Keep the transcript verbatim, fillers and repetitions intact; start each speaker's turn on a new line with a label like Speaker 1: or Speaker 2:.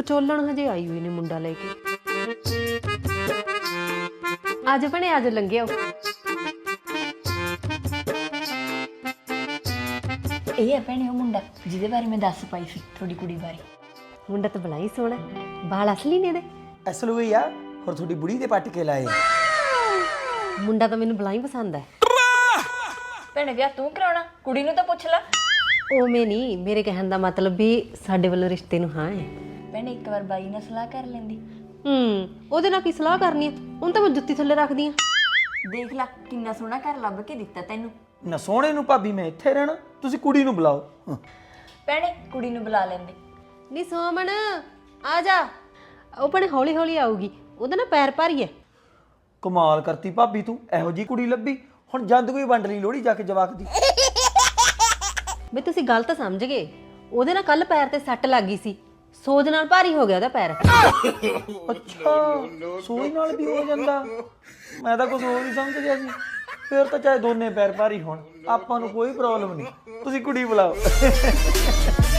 Speaker 1: ਵਿਚੋਲਣ ਹਜੇ ਆਈ ਹੋਈ ਨੇ ਮੁੰਡਾ ਲੈ ਕੇ। ਅੱਜ ਭਣੇ ਅੱਜ ਲੰਘਿਓ।
Speaker 2: ਇਹ ਹੈ ਭੈਣੇ ਉਹ ਮੁੰਡਾ ਜਿਹਦੇ ਬਾਰੇ ਮੈਂ ਦੱਸ ਪਾਈ ਸੀ ਤੁਹਾਡੀ ਕੁੜੀ ਬਾਰੇ।
Speaker 1: ਮੁੰਡਾ ਤਾਂ ਬੜਾ ਹੀ ਸੋਹਣਾ, ਬਾਲ ਅਸਲੀ ਨੇ ਇਹਦੇ।
Speaker 3: ਅਸਲ ਹੋਈ ਆ ਹੋਰ ਤੁਹਾਡੀ ਬੁੜੀ ਦੇ ਪੱਟ ਕੇ ਲਾਏ।
Speaker 1: ਮੁੰਡਾ ਤਾਂ ਮੈਨੂੰ ਬੜਾ ਹੀ ਪਸੰਦ ਹੈ।
Speaker 2: ਭੈਣੇ ਵਿਆਹ ਤੂੰ ਕਰਾਉਣਾ, ਕੁੜੀ ਨੂੰ ਤਾਂ ਪੁੱਛ ਲੈ।
Speaker 1: ਉਵੇਂ ਨਹੀਂ, ਮੇਰੇ ਕਹਿਣ ਦਾ ਮਤਲਬ ਵੀ ਸਾਡੇ ਵੱਲੋਂ ਰਿਸ਼ਤੇ ਨੂੰ ਹਾਂ ਹੈ।
Speaker 2: ਭੈਣੇ ਇੱਕ ਵਾਰ ਬਾਈ ਨਾਲ ਸਲਾਹ ਕਰ ਲੈਂਦੀ।
Speaker 1: ਹੂੰ, ਉਹਦੇ ਨਾਲ ਕੀ ਸਲਾਹ ਕਰਨੀ ਆ? ਹੁਣ ਤਾਂ ਮੈਂ ਜੁੱਤੀ ਥੱਲੇ ਰੱਖਦੀ ਆ।
Speaker 2: ਦੇਖ ਲੈ ਕਿੰਨਾ ਸੋਹਣਾ ਘਰ ਲੱਭ ਕੇ ਦਿੱਤਾ ਤੈਨੂੰ।
Speaker 3: ਨਾ ਸੋਹਣੇ ਨੂੰ ਭਾਬੀ ਮੈਂ ਇੱਥੇ ਰਹਿਣਾ, ਤੁਸੀਂ ਕੁੜੀ ਨੂੰ ਬੁਲਾਓ। ਹਾਂ।
Speaker 2: ਭੈਣੇ ਕੁੜੀ ਨੂੰ ਬੁਲਾ ਲੈਂਦੇ।
Speaker 1: ਨੀ ਸੋਮਣ ਆ ਜਾ। ਉਹ ਭਣੇ ਹੌਲੀ ਹੌਲੀ ਆਊਗੀ, ਉਹਦਾ ਨਾ ਪੈਰ ਭਾਰੀ ਹੈ।
Speaker 3: ਕਮਾਲ ਕਰਤੀ ਭਾਬੀ ਤੂੰ, ਇਹੋ ਜੀ ਕੁੜੀ ਲੱਭੀ। ਹੁਣ ਜੰਦ ਕੋਈ ਵੰਡ ਲਈ ਲੋਹੜੀ ਜਾ ਕੇ ਜਵਾਕ ਦੀ।
Speaker 1: ਬਈ ਤੁਸੀਂ ਗਲਤ ਸਮਝ ਗਏ, ਉਹਦੇ ਨਾਲ ਕੱਲ ਪੈਰ ਤੇ ਸੱਟ ਲੱਗ ਗਈ ਸੀ, ਸੋਜ ਨਾਲ ਭਾਰੀ ਹੋ ਗਿਆ ਉਹਦਾ ਪੈਰ।
Speaker 3: ਅੱਛਾ, ਸੋਈ ਨਾਲ ਵੀ ਹੋ ਜਾਂਦਾ। ਮੈਂ ਤਾਂ ਕੁਝ ਹੋਰ ਹੀ ਸਮਝ ਗਿਆ ਸੀ। ਫਿਰ ਤਾਂ ਚਾਹੇ ਦੋਨੇ ਪੈਰ ਭਾਰੀ ਹੋਣ, ਆਪਾਂ ਨੂੰ ਕੋਈ ਪ੍ਰੋਬਲਮ ਨਹੀਂ। ਤੁਸੀਂ ਕੁੜੀ ਬੁਲਾਓ।